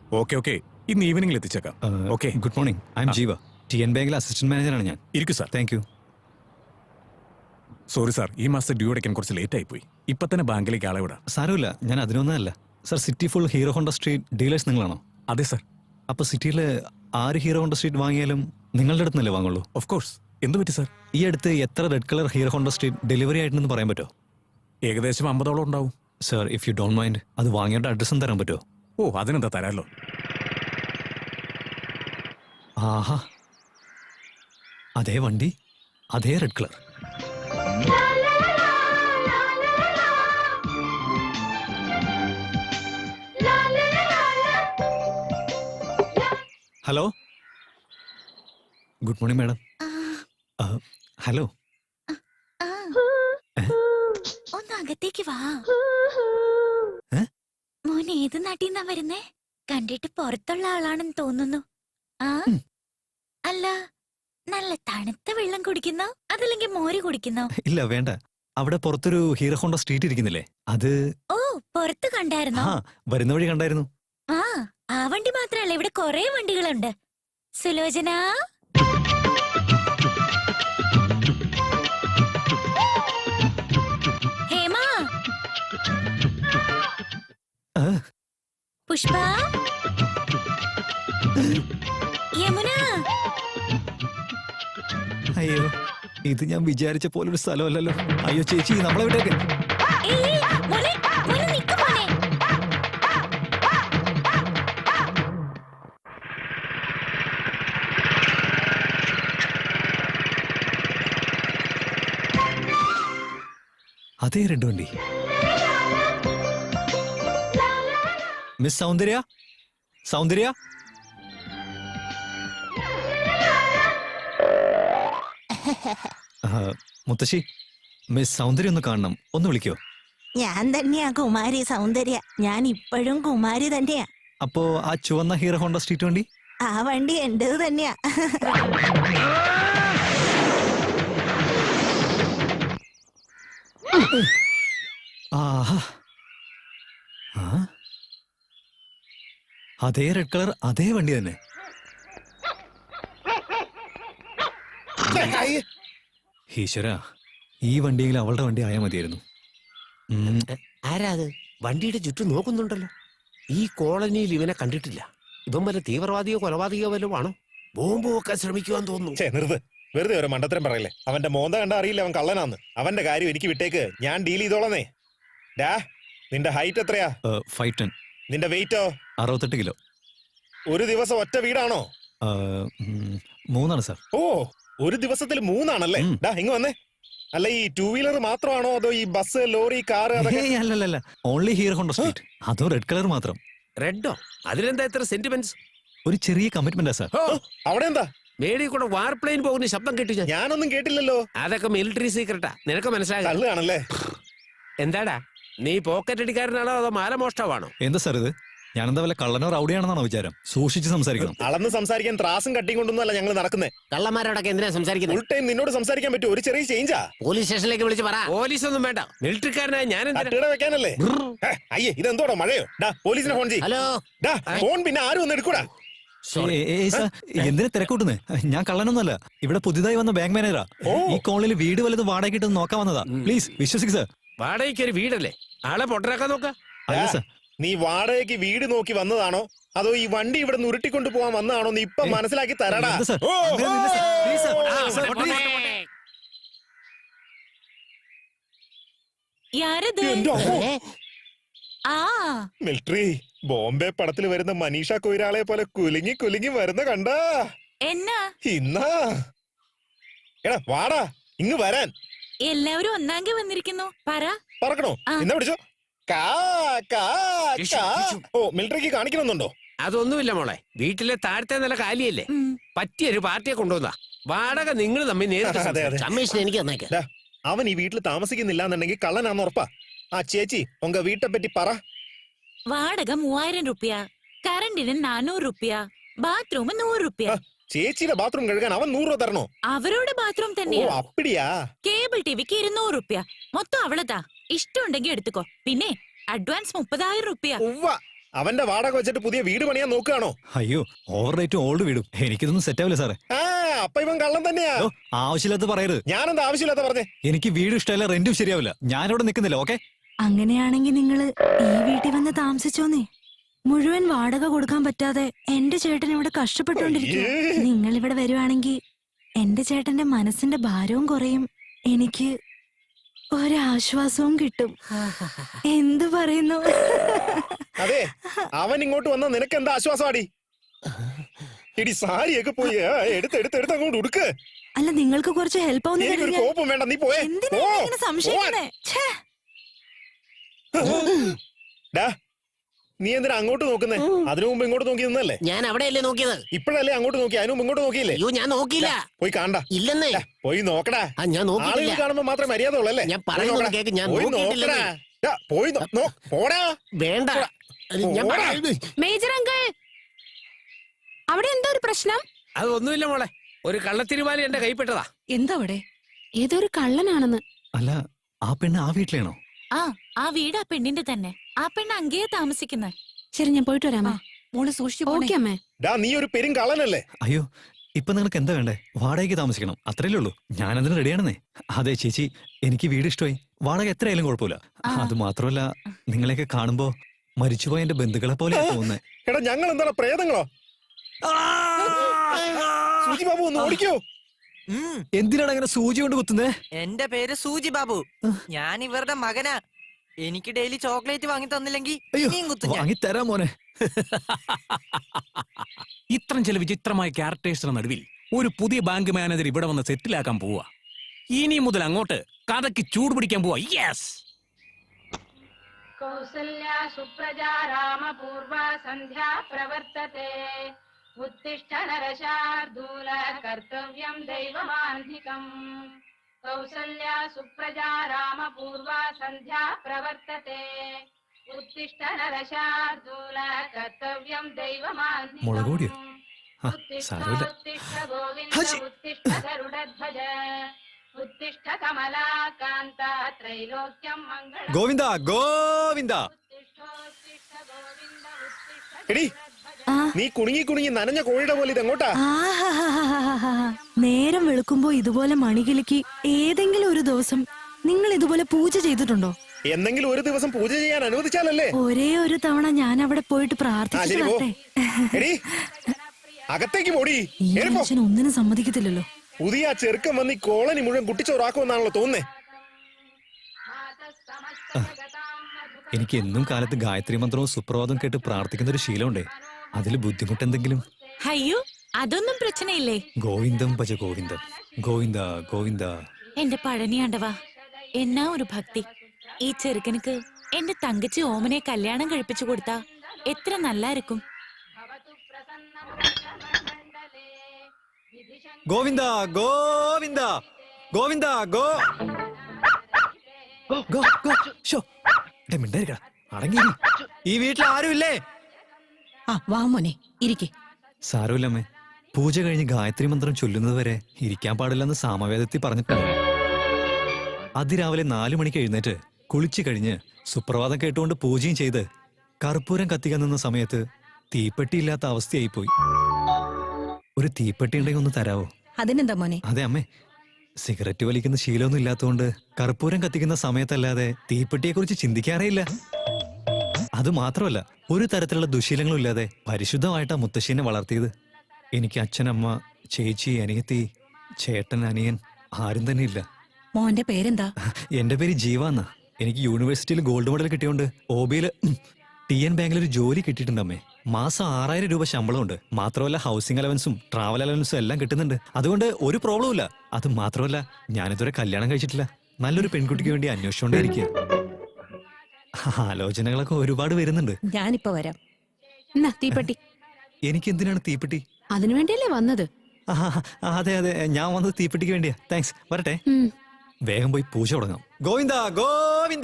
Okay okay, ഇന്ന് ഈവനിംഗിൽ എത്തിച്ചേക്കാം. Okay. Good morning, I am Jeeva, TN ബാങ്കിലെ അസിസ്റ്റന്റ് മാനേജറാണ് ഞാൻ. ഇരിക്കൂ sir. Thank you. Sorry sir, ഈ മാസത്തെ ഡ്യൂ അടയ്ക്കാൻ കുറച്ച് ലേറ്റ് ആയിപ്പോയി. ഇപ്പൊ തന്നെ ബാങ്കിലേക്ക് ആളെ വിടാം. സാരമില്ല, ഞാൻ അതിനൊന്നല്ല. Sir, city full Hero Honda Street dealers നിങ്ങളാണോ? അതെ സാർ. അപ്പോൾ സിറ്റിയിൽ ആര് ഹീറോ ഹോണ്ട സ്ട്രീറ്റ് വാങ്ങിയാലും നിങ്ങളുടെ അടുത്ത് നിന്നല്ലേ വാങ്ങുള്ളൂ? Of course. എന്ത് പറ്റി സാർ? ഈ അടുത്ത് എത്ര red colour Hero Honda Street delivery ആയിട്ടുണ്ടെന്ന് പറയാൻ പറ്റുമോ? ഏകദേശം 50ഓളം ഉണ്ടാവും. Sir, if you don't mind, അത് വാങ്ങിയുടെ അഡ്രസ്സും തരാൻ പറ്റുമോ? ഓ, അതിനെന്താ, തരാമല്ലോ. ആഹാ, അതേ വണ്ടി, അതേ red colour. Hello, good morning madam. Hello, ഒന്ന് അകത്തേക്ക് വാ. മോൻ ഏത് നാട്ടിന്നാ വരുന്നേ? കണ്ടിട്ട് പുറത്തുള്ള ആളാണെന്ന് തോന്നുന്നു. ആ, അല്ല, നല്ല തണുത്ത വെള്ളം കുടിക്കുന്നോ അതല്ലെങ്കിൽ മോര് കുടിക്കുന്നോ? ഇല്ല വേണ്ട, അവിടെ പുറത്തൊരു ഹീറോ ഹോണ്ട സ്ട്രീറ്റ് ഇരിക്കുന്നില്ലേ, അത്. ഓ, പുറത്ത് കണ്ടായിരുന്നോ? ആ, വരുന്ന വഴി കണ്ടായിരുന്നു. ആ വണ്ടി മാത്രല്ല, ഇവിടെ കൊറേ വണ്ടികളുണ്ട്. സുലോചന, ഹേമ, പുഷ്പ, യമുന. അയ്യോ, ഇത് ഞാൻ വിചാരിച്ച പോലൊരു സ്ഥലമല്ലല്ലോ. അയ്യോ ചേച്ചി, നമ്മളെ വിട്ടേക്ക്. ഏയ്, മോനെ, മോനെ നിക്ക് മോനെ. അതേ റെഡ് വണ്ടി. മിസ് സൗന്ദര്യ, സൗന്ദര്യ. മുത്തശ്ശി, മിസ് സൗന്ദര്യ ഒന്ന് കാണണം, ഒന്ന് വിളിക്കോ? ഞാൻ തന്നെയാ കുമാരി സൗന്ദര്യ, ഞാൻ ഇപ്പോഴും കുമാരി തന്നെയാ. അപ്പോ ആ ചുവന്ന ഹീറോ ഹോണ്ട സ്ട്രീറ്റ് വണ്ടി? ആ വണ്ടി എന്റേത് തന്നെയാ. ആഹാ, അതേ റെഡ് കളർ, അതേ വണ്ടി തന്നെ. ഈശ്വര, ഈ വണ്ടിയെങ്കിൽ അവളുടെ വണ്ടി ആയാൽ മതിയായിരുന്നു. ആരാ അത് വണ്ടിയുടെ ചുറ്റും നോക്കുന്നുണ്ടല്ലോ? ഈ കോളനിയിൽ ഇവനെ കണ്ടിട്ടില്ല. ഇവൻ വല്ല തീവ്രവാദിയോ കൊലപാതകയോ വല്ലതും ആണോ? ബോംബ് വെക്കാൻ ശ്രമിക്കുവാൻ തോന്നുന്നു. വെറുതെ ഒരു മണ്ടത്തരം പറയല്ലേ. അവന്റെ മോന്ത കണ്ട അറിയില്ല അവൻ കള്ളനാന്ന്. അവന്റെ കാര്യം എനിക്ക് വിട്ടേക്ക്, ഞാൻ ഡീൽ ചെയ്തോളന്നേ. ഡാ, നിന്റെ ഹൈറ്റ് എത്രയാ? 5'10". നിന്റെ വെയിറ്റോ? 68 കിലോ. ഒരു ദിവസം ഒറ്റ വീടാണോ? 3 സാർ. ഓ, ഒരു ദിവസത്തിൽ 3 ഡാ, ഇങ്ങ് വന്നേ. അല്ല, ഈ 2 വീലർ മാത്രമാണോ അതോ ഈ ബസ്, ലോറി, കാറ്? അല്ലല്ല, ഓൺലി ഹീറോ ഹോണ്ട സ്ട്രീറ്റ്, അതും റെഡ് കളർ മാത്രം. റെഡോ? അതിലെന്താ ഇത്ര സെന്റിമെന്റ്സ്? ഒരു ചെറിയ കമ്മിറ്റ്മെന്റാ സാർ. അവിടെ എന്താ മേടി കൂടെ വാർപ്ലെയിൻ പോകുന്ന ശബ്ദം കേട്ടു ഞാൻ. ഞാനൊന്നും കേട്ടില്ലല്ലോ. അതൊക്കെ മിലിറ്ററി സീക്രട്ടാ, നിനക്ക് മനസ്സിലാകാം. കള്ളാണല്ലേ? എന്താടാ, നീ പോക്കറ്റ് അടിക്കാരനാണോ അതോ മാലമോഷ്ടാവാണോ? എന്താ സാർ ഇത്? ഞാനെന്താ വല്ല കള്ളനോ റൗഡിയാണെന്നാണോ വിചാരം? സൂക്ഷിച്ച് സംസാരിക്കണം. അളന്ന് സംസാരിക്കാൻ ത്രാസും കട്ടിയും കൊണ്ടൊന്നും അല്ല ഞങ്ങൾ നടക്കുന്നേ. കള്ളന്മാരോടൊക്കെ എന്തിനാ സംസാരിക്കുന്നത്? ഫുൾ ടൈം നിന്നോട് സംസാരിക്കാൻ പറ്റും. ഒരു ചെറിയ ചേഞ്ചാ. പോലീസ് സ്റ്റേഷനിലേക്ക് വിളിച്ച് പറ. പോലീസ് ഒന്നും വേണ്ട, മിലിറ്ററിക്കാരനായ ഞാൻ വെക്കാനല്ലേ? അയ്യേ, ഇതെന്തോടോ മഴയോ? ഡാ, പോലീസിനെ ഫോൺ ചെയ്യ്. ഹലോ. ഡാ, ഫോൺ പിന്നെ ആരും ഒന്ന് എടുക്കൂടാ. എന്തിനാ തിരക്കൂട്ടുന്നേ? ഞാൻ കള്ളനൊന്നുമല്ല, ഇവിടെ പുതിയതായി വന്ന ബാങ്ക് മാനേജറാ. ഈ കോളനിയിൽ വീട് വല്ലതും വാടക കിട്ടുന്ന നോക്കാൻ വന്നതാ. പ്ലീസ് വിശ്വസിക്ക് സാർ. വാടകയ്ക്ക് ഒരു വീടല്ലേ? ആളെ പൊട്ടരാക്കാൻ നോക്ക. അല്ല സാർ, നീ വാടകയ്ക്ക് വീട് നോക്കി വന്നതാണോ അതോ ഈ വണ്ടി ഇവിടെ ഉരുട്ടിക്കൊണ്ടു പോവാൻ വന്നതാണോ നീ ഇപ്പൊ മനസ്സിലാക്കി തരാടാ. മിലിറ്ററി ബോംബെ പടത്തിൽ വരുന്ന മനീഷ കൊയ്രാളെ പോലെ കുലുങ്ങി കുലുങ്ങി വരുന്ന കണ്ടാ എന്നാ ഇന്നാ. എടാ വാടാ, ഇങ്ങ് വരാൻ. എല്ലാവരും ഒന്നാങ്കി വന്നിരിക്കുന്നു. പറക്കണോ? എന്നാ പിടിച്ചോ. ഓ, മിലിറ്ററിക്ക് കാണിക്കണമെന്നുണ്ടോ? അതൊന്നുമില്ല മോളെ, വീട്ടിലെ താഴത്തെ നില കാലിയല്ലേ, പറ്റിയൊരു പാർട്ടിയെ കൊണ്ടുവന്നാ. വാടക നിങ്ങൾ തമ്മിൽ കമ്മീഷൻ എനിക്ക് തന്നേക്കാം. അവൻ ഈ വീട്ടിൽ താമസിക്കുന്നില്ല എന്നുണ്ടെങ്കിൽ കള്ളനാന്ന് ഉറപ്പാ. ആ ചേച്ചി ഉങ്ക വീട്ടെ പറ്റി പറ. വാടക 3000 രൂപ, കറണ്ടിന് 400 രൂപ, ബാത്റൂം 100 രൂപ. ചേച്ചിയുടെ ബാത്റൂം കഴുകാൻ അവൻ 100 രൂപ തരണോ? അവരോട് ബാത്റൂം തന്നെയാ. അപ്പടിയാ. കേബിൾ ടിവിക്ക് 200 രൂപ. മൊത്തം അവളതാ. ഇഷ്ടമുണ്ടെങ്കിൽ എടുത്തുക്കോ. പിന്നെ അഡ്വാൻസ് 30,000 രൂപ. അവന്റെ വാടക വെച്ചിട്ട് പുതിയ വീട് പണിയാൻ നോക്കുകയാണോ? അയ്യോ, ഓവർ റേറ്റും ഓൾഡ് വീടും എനിക്കിതൊന്നും സെറ്റ് ആവില്ല സാറേ. ആ അപ്പൊ ഇവൻ കള്ളൻ തന്നെയാ. ഓ, ആവശ്യമില്ലാത്ത പറയരുത്. ഞാനെന്താ ആവശ്യമില്ലാത്ത പറഞ്ഞേ? എനിക്ക് വീട് ഇഷ്ടമല്ല, റെന്റും ശരിയാവില്ല. ഞാനിവിടെ നിൽക്കുന്നില്ല. ഓക്കെ, അങ്ങനെയാണെങ്കിൽ നിങ്ങള് ഈ വീട്ടിൽ വന്ന് താമസിച്ചോന്നേ. മുഴുവൻ വാടക കൊടുക്കാൻ പറ്റാതെ എന്റെ ചേട്ടൻ ഇവിടെ കഷ്ടപ്പെട്ടുകൊണ്ടിരിക്കുക. നിങ്ങൾ ഇവിടെ വരുവാണെങ്കിൽ എന്റെ ചേട്ടന്റെ മനസ്സിന്റെ ഭാരവും കുറയും, എനിക്ക് ഒരാശ്വാസവും കിട്ടും. എന്തു പറയുന്നു? അതെ, അവൻ ഇങ്ങോട്ട് വന്ന നിനക്ക് എന്താ ആശ്വാസമാടി? ഇടി സാരിയൊക്കെ പോയി എടുത്ത് അങ്ങോട്ട് ഉടുക്ക്. അല്ല, നിങ്ങൾക്ക് കുറച്ച് ഹെൽപ്പ് എനിക്കൊരു ആവുന്ന കോപ്പം വേണ്ട, നീ പോയേ. എന്തിനാ എന്നെ ഇങ്ങനെ സംശയിക്കുന്നേ? ഛേ. ഡാ, നീ എന്തിനാ അങ്ങോട്ട് നോക്കുന്നേ? അതിനു മുമ്പ് ഇങ്ങോട്ട് നോക്കി നിന്നല്ലേ? ഞാൻ അവിടെയല്ലേ നോക്കിയത്. ഇപ്പോഴല്ലേ അങ്ങോട്ട് നോക്കി, അതിനു മുമ്പ് ഇങ്ങോട്ട് നോക്കിയില്ലേ? അയ്യോ, ഞാൻ നോക്കിയില്ല. പോയി കാണണ്ട. ഇല്ലെന്നേ. പോയി നോക്കടാ. ആ, ഞാൻ നോക്കിയില്ല. ആളുകൾ കാണുമ്പോ മാത്രമേ മര്യാദ ഉള്ളല്ലേ? ഞാൻ പറയുന്നത് കേക്ക്, ഞാൻ പോയി നോക്കിയിട്ടില്ലെന്നേ. നോക്കടാ. പോയി പോടാ. വേണ്ട, ഞാൻ പോടാ. മേജർ അങ്കിൾ, അവിടെ എന്താ ഒരു പ്രശ്നം? അതൊന്നുമില്ല മോളെ, ഒരു കള്ളത്തിരുമാലി എന്റെ കൈപ്പെട്ടതാ. എന്താ അവിടെ? ഏതൊരു കള്ളനാണെന്ന്. അല്ല, ആ പെണ്ണ് ആ വീട്ടിലാണോ? ആ വീട് ആ പെണ്ണിന്റെ തന്നെ. ആ പെണ്ണ് അങ്ങേ താമസിക്കുന്നത്. ശരി, ഞാൻ പോയിട്ട് വരാമേ. മോള് സൂക്ഷിച്ചു. ഓക്കെ അമ്മേ. ഡാ, നീ ഒരു പെരും കള്ളനല്ലേ? അയ്യോ, ഇപ്പൊ നിങ്ങൾക്ക് എന്താ വേണ്ടേ? വാടകയ്ക്ക് താമസിക്കണം, അത്രയല്ലേ ഉള്ളൂ. ഞാനതിന് റെഡിയാണെന്നേ. അതെ ചേച്ചി, എനിക്ക് വീട് ഇഷ്ടമായി. വാടക എത്രയായാലും കുഴപ്പമില്ല. അത് മാത്രമല്ല, നിങ്ങളെയൊക്കെ കാണുമ്പോ മരിച്ചുപോയ എന്റെ ബന്ധുക്കളെ പോലെ തോന്നുന്നേ. എടാ, ഞങ്ങൾ എന്താണ് പ്രേതങ്ങളോ? സൂചി ബാബു ഒന്ന് ഓടിക്കോ. എന്തിനാണ് അങ്ങനെ സൂചി കൊണ്ട് കുത്തുന്നേ? എന്റെ പേര് സൂജി ബാബു. ഞാൻ ഇവരുടെ മകനാ. എനിക്ക് ഡെയിലി ചോക്ലേറ്റ് വാങ്ങി തന്നില്ലെങ്കിൽ ഇനിയും കുത്തും ഞാൻ. വാങ്ങി തരാം മോനെ. ഇത്രയും ചില വിചിത്രമായ ക്യാരക്ടേഴ്സിന് നടുവിൽ ഒരു പുതിയ ബാങ്ക് മാനേജർ ഇവിടെ വന്ന് സെറ്റിലാക്കാൻ പോവാ. ഇനി മുതൽ അങ്ങോട്ട് കഥയ്ക്ക് ചൂട് പിടിക്കാൻ പോവാ. യെസ്. കൗസല്യ സുപ്രജാ രാമപൂർവ സന്ധ്യാ പ്രവർത്തത്തെ. ഉത്തിഷ്ഠ നരശാർദൂല കർത്തവ്യം ദൈവമാന്ധികം. കൗസല്യ സുപ്രജാ രാമപൂർവ സന്ധ്യാ പ്രവർത്തത്തെ. ഉത്തിഷ്ഠ നരശാർദൂല കർത്തവ്യം ദൈവമാന്ധികം. മുളകുപൊടിയോ? ആ, സാരമില്ല. ഉത്തിഷ്ഠ ഗോവിന്ദ ഹജി. ഉത്തിഷ്ഠ ഗരുഡധ്വജ. ഉത്തിഷ്ഠ കമലാകാന്ത ത്രൈലോക്യം മംഗളം. ഗോവിന്ദ ഗോവിന്ദ. എടി, നീ കുണുങ്ങി നനഞ്ഞ കോഴിയുടെ പോലെ ഇതെങ്ങോട്ടാ? നേരം വെളുക്കുമ്പോ ഇതുപോലെ മണികിലുക്കി ഏതെങ്കിലും ഒരു ദിവസം നിങ്ങൾ ഇതുപോലെ പൂജ ചെയ്തിട്ടുണ്ടോ? എന്തെങ്കിലും ഒരു ദിവസം പൂജ ചെയ്യാൻ അനുവദിച്ചാലല്ലേ? ഒരേ ഒരു തവണ ഞാൻ അവിടെ പോയിട്ട് പ്രാർത്ഥിച്ചു ശരി, പോ. വരട്ടെ. എടി, അകത്തേക്ക് പോടി. ഈ ഏറി പോ. മനുഷ്യൻ ഒന്നിനും സമ്മതിക്കത്തില്ലല്ലോ. പുതിയ ആ ചെറുക്കം വന്ന് ഈ കോളനി മുഴുവൻ കുട്ടിച്ചോറാക്കുമെന്നാണല്ലോ തോന്നുന്നേ. എനിക്ക് എന്നും കാലത്ത് ഗായത്രി മന്ത്രവും സുപ്രഭാതവും കേട്ട് പ്രാർത്ഥിക്കുന്ന ഒരു ശീലമുണ്ടേ. അതിൽ ബുദ്ധിമുട്ടെന്തെങ്കിലും? അയ്യോ, അതൊന്നും പ്രശ്നയില്ലേ. ഗോവിന്ദം ഭജ ഗോവിന്ദം, ഗോവിന്ദ ഗോവിന്ദ. എന്റെ പഴനിയാണ്ടവാ, എന്നാ ഒരു ഭക്തി. ഈ ചെറുക്കനുക്ക് എന്റെ തങ്കച്ചി ഓമനെ കല്യാണം കഴിപ്പിച്ചു കൊടുത്താ എത്ര നല്ലായിരിക്കും. ഗോവിന്ദ ഗോവിന്ദ ഗോവിന്ദ ഗോ ഗോ ഗോ. ശോ, മിണ്ടായിരിക്കടാ, അടങ്ങിയിരി. ഈ വീട്ടിൽ ആരുമില്ലേ? വാ മോനെ, ഇരിക്കെ. സാരമില്ലമ്മേ, പൂജ കഴിഞ്ഞ് ഗായത്രി മന്ത്രം ചൊല്ലുന്നത് വരെ ഇരിക്കാൻ പാടില്ലെന്ന് സാമവേദത്തിൽ പറഞ്ഞിട്ടുണ്ട്. അതിരാവിലെ 4 മണിക്ക് എഴുന്നേറ്റ് കുളിച്ചു കഴിഞ്ഞ് സുപ്രഭാതം കേട്ടുകൊണ്ട് പൂജയും ചെയ്ത് കർപ്പൂരം കത്തിക്കാൻ നിന്ന സമയത്ത് തീപ്പെട്ടിയില്ലാത്ത അവസ്ഥയായിപ്പോയി. ഒരു തീപ്പെട്ടി ഉണ്ടെങ്കിൽ ഒന്ന് തരാവോ? അതിനെന്താ മോനെ? അതെ അമ്മേ, സിഗരറ്റ് വലിക്കുന്ന ശീലമൊന്നും ഇല്ലാത്തതുകൊണ്ട് കർപ്പൂരം കത്തിക്കുന്ന സമയത്തല്ലാതെ തീപ്പെട്ടിയെ കുറിച്ച് ചിന്തിക്കാറേയില്ല. അത് മാത്രമല്ല, ഒരു തരത്തിലുള്ള ദുശീലങ്ങളും ഇല്ലാതെ പരിശുദ്ധമായിട്ടാ മുത്തശ്ശീനെ വളർത്തിയത്. എനിക്ക് അച്ഛനമ്മ, ചേച്ചി, അനിയത്തി, ചേട്ടൻ, അനിയൻ ആരും തന്നെ ഇല്ല. മോന്റെ പേരെന്താ? എന്റെ പേര് ജീവ എന്നാ. എനിക്ക് യൂണിവേഴ്സിറ്റിയിൽ ഗോൾഡ് മെഡൽ കിട്ടിയോണ്ട് OBയില് TN ബാങ്കിൽ ഒരു ജോലി കിട്ടിയിട്ടുണ്ടമ്മേ. മാസം 6000 രൂപ ശമ്പളമുണ്ട്. മാത്രമല്ല ഹൗസിംഗ് അലവൻസും ട്രാവൽ അലവൻസും എല്ലാം കിട്ടുന്നുണ്ട്. അതുകൊണ്ട് ഒരു പ്രോബ്ലം ഇല്ല. അത് മാത്രമല്ല, ഞാനിതുവരെ കല്യാണം കഴിച്ചിട്ടില്ല. നല്ലൊരു പെൺകുട്ടിക്ക് വേണ്ടി അന്വേഷിച്ചുകൊണ്ടേയിരിക്കുക. ആലോചനകളൊക്കെ ഒരുപാട് വരുന്നുണ്ട്. ഞാനിപ്പോ വരാം. എന്നാ തീപ്പെട്ടി. എനിക്ക് എന്തിനാണ് തീപ്പെട്ടി? അതിനു വേണ്ടിയല്ലേ വന്നത്? അതെ അതെ, ഞാൻ വന്നത് തീപ്പെട്ടിക്ക് വേണ്ടിയാ. താങ്ക്സ്, വരട്ടെ. വേഗം പോയി പൂജ തുടങ്ങാം. ഗോവിന്ദ ഗോവിന്ദ.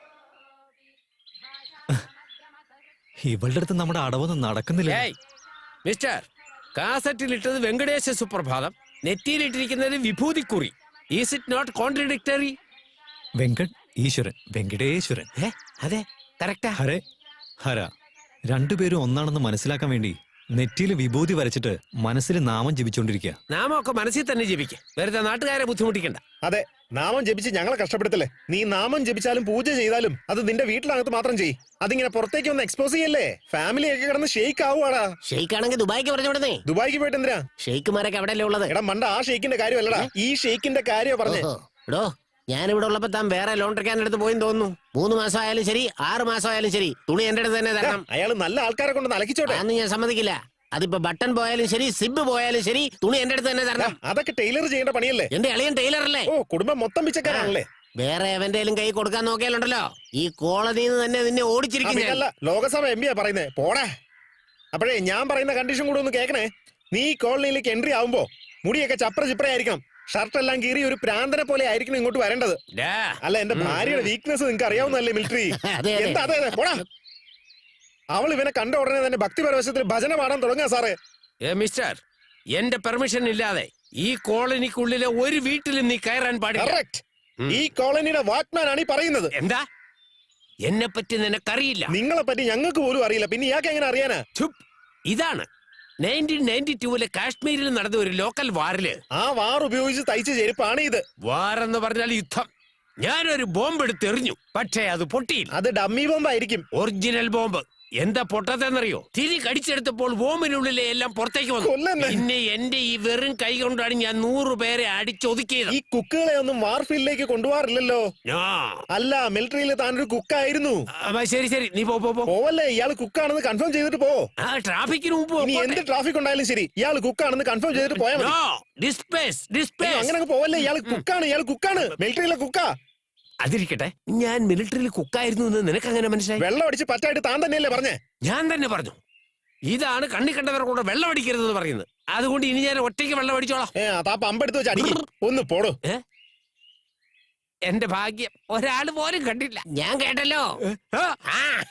ഇവളുടെ അടുത്ത് നമ്മുടെ അടവൊന്നും നടക്കുന്നില്ല. മിസ്റ്റർ, കാസറ്റിലിട്ടത് വെങ്കടേശ സുപ്രഭാതം, നെറ്റിയിലിട്ടിരിക്കുന്നത് വിഭൂതിക്കുറി. Is it not contradictory? Venkat ഈശ്വരൻ, വെങ്കടേശ്വരൻ. അതെ, കറക്റ്റാ. ഹരേ ഹര. രണ്ടുപേരും ഒന്നാണെന്ന് മനസ്സിലാക്കാൻ വേണ്ടി നെറ്റിയിൽ വിഭൂതി വരച്ചിട്ട് മനസ്സിൽ നാമം ജപിച്ചോണ്ടിരിക്കുക. നാമൊക്കെ മനസ്സിൽ തന്നെ ജപിക്കും, വെറുതെ നാട്ടുകാരെ ബുദ്ധിമുട്ടിക്കണ്ട. അതെ, നാമം ജപിച്ച് ഞങ്ങളെ കഷ്ടപ്പെടുത്തല്ലേ. നീ നാമം ജപിച്ചാലും പൂജ ചെയ്താലും അത് നിന്റെ വീട്ടിനകത്ത് മാത്രം ചെയ്യ്. അതിങ്ങനെ പുറത്തേക്ക് ഒന്ന് എക്സ്പോസ് ചെയ്യല്ലേ. ഫാമിലി ഒക്കെ കിടന്ന് ഷെയ്ക്ക് ആവുവാടാ. ഷെയ്ക്ക് ആണെങ്കിൽ ദുബായിക്ക് പറഞ്ഞോടേ. ദുബായിക്ക് പോയിട്ട് എന്തിനാ? ഷെയ്ക്കുമാരൊക്കെ എവിടെയല്ലേ ഉള്ളത്? എടാ മണ്ട, ആ ഷെയ്ക്കിന്റെ കാര്യമല്ലടാ, ഈ ഷെയ്ക്കിന്റെ കാര്യമാ പറഞ്ഞേ. എടോ, ഞാനിവിടെ ഉള്ളപ്പോ താൻ വേറെ ലോൺ എടുക്കാൻ എടുത്ത് പോയെന്ന് തോന്നുന്നു. 3 മാസം ആയാലും ശരി, 6 മാസം ആയാലും ശരി, തുണി എന്റെ അടുത്ത് തന്നെ തരണം. അയാൾ നല്ല ആൾക്കാരെ കൊണ്ട് അലക്കിച്ചോട്ടെ. അന്ന് ഞാൻ സമ്മതിക്കില്ല. അതിപ്പോ ബട്ടൺ പോയാലും ശരി, സിബ് പോയാലും ശരി, തുണി എന്റെ അടുത്ത് തന്നെ തരണം. അതൊക്കെ ടൈലർ ചെയ്യേണ്ട പണിയല്ലേ. എന്റെ അളിയൻ ടൈലർ അല്ലേ? ഓ, കുടുംബം മൊത്തം പിച്ചക്കാരാണല്ലേ. വേറെ എവന്റെയും കൈ കൊടുക്കാൻ നോക്കിയാലുണ്ടല്ലോ, ഈ കോളനിയിൽ നിന്ന് തന്നെ നിന്നെ ഓടിച്ചിരിക്കും ഞാൻ. അല്ല, ലോകസഭ എം പിയാ പറയുന്നേ, പോടാ. അപ്പോഴേ ഞാൻ പറയുന്ന കണ്ടീഷൻ കൂടെ ഒന്ന് കേൾക്കണേ. നീ ഈ കോളനിയിലേക്ക് എൻട്രി ആവുമ്പോ മുടിയൊക്കെ ചപ്ര ചിപ്രയായിരിക്കണം, ഷർട്ട് എല്ലാം കീറി ഒരു പ്രാന്തനെ പോലെ ആയിരിക്കണം ഇങ്ങോട്ട് വരേണ്ടത്. അല്ല, എന്റെ ഭാര്യയുടെ വീക്ക്നെസ് നിങ്ങൾക്ക് അറിയാവുന്നല്ലേ മിലിറ്ററി. അതെ, അതെ. എന്താ? അതെ, പോടാ. അവൾ ഇവനെ കണ്ട ഉടനെ തന്നെ ഭക്തിപരവശത്തിൽ ഭജന പാടാൻ തുടങ്ങാ സാറേ. മിസ്റ്റർ, എന്റെ പെർമിഷൻ ഇല്ലാതെ ഈ കോളനിക്കുള്ളിലെ ഒരു വീട്ടിലും നീ കയറാൻ പാടില്ല. കറക്റ്റ്. ഈ കോളനിയുടെ വാച്ച്മാൻ ആണ് ഈ പറയുന്നത്. എന്താ? എന്നെ പറ്റി നിനക്കറിയില്ല. നിങ്ങളെ പറ്റി ഞങ്ങൾക്ക് പോലും അറിയില്ല, പിന്നെ ഇയാൾക്ക് എങ്ങനെ അറിയാനാ? ചുപ്. ഇതാണ് 1992 കാശ്മീരിൽ നടന്ന ഒരു ലോക്കൽ വാറില് ആ വാർ ഉപയോഗിച്ച് തയ്ച്ച ചെരുപ്പാണ് ഇത്. വാറെന്ന് പറഞ്ഞാൽ യുദ്ധം. ഞാനൊരു ബോംബ് എടുത്തെറിഞ്ഞു, പക്ഷേ അത് പൊട്ടിയില്ല. അത് ഡമ്മി ബോംബായിരിക്കും. Original bomb. എന്താ പൊട്ടത്തെന്നറിയോ? തിരി കടിച്ചെടുത്തപ്പോൾ ബോംബിനുള്ളിലെ എല്ലാം പുറത്തേക്ക് വന്നു. കൊല്ലന്നെ. പിന്നെ എന്റെ ഈ വെറും കൈ കൊണ്ടാണ് ഞാൻ 100 പേരെ അടിച്ചൊതുക്കിയത്. ഈ കുക്കുകളെ ഒന്നും വാർ ഫീൽഡിലേക്ക് കൊണ്ടുപോകാറില്ലല്ലോ. അല്ല, മിലിറ്ററിയിൽ താനൊരു കുക്കായിരുന്നു. ശരി ശരി, നീ പോ. പോവല്ലേ, ഇയാൾ കുക്കാണെന്ന് കൺഫേം ചെയ്തിട്ട് പോ. ട്രാഫിക്കിന് മുമ്പ് ഇനി എന്ത് ട്രാഫിക് ഉണ്ടായാലും ശരി, ഇയാൾ കുക്കാണെന്ന് കൺഫേം ചെയ്തിട്ട് പോയാൽ മതി. അങ്ങനെ പോവല്ലേ, ഇയാൾ കുക്കാണ്, മിലിറ്ററിയിലെ കുക്കാ. അതിരിക്കട്ടെ, ഞാൻ മിലിറ്ററിയിൽ കുക്കായിരുന്നു എന്ന് നിനക്ക് അങ്ങനെ മനസ്സിലായി? വെള്ളം അടിച്ച് പറ്റായിട്ട് താൻ തന്നെയല്ലേ പറഞ്ഞേ? ഞാൻ തന്നെ പറഞ്ഞു. ഇതാണ് കണ്ണി കണ്ടവർ കൂടെ വെള്ളം അടിക്കരുതെന്ന് പറയുന്നത്. അതുകൊണ്ട് ഇനി ഞാൻ ഒറ്റയ്ക്ക് വെള്ളം അടിച്ചോളാം. താ പമ്പെടുത്ത് വെച്ച് അടിക്കും. ഒന്ന് പോടോ. എന്റെ ഭാഗ്യം, ഒരാള് പോലും കണ്ടില്ല. ഞാൻ കേട്ടല്ലോ.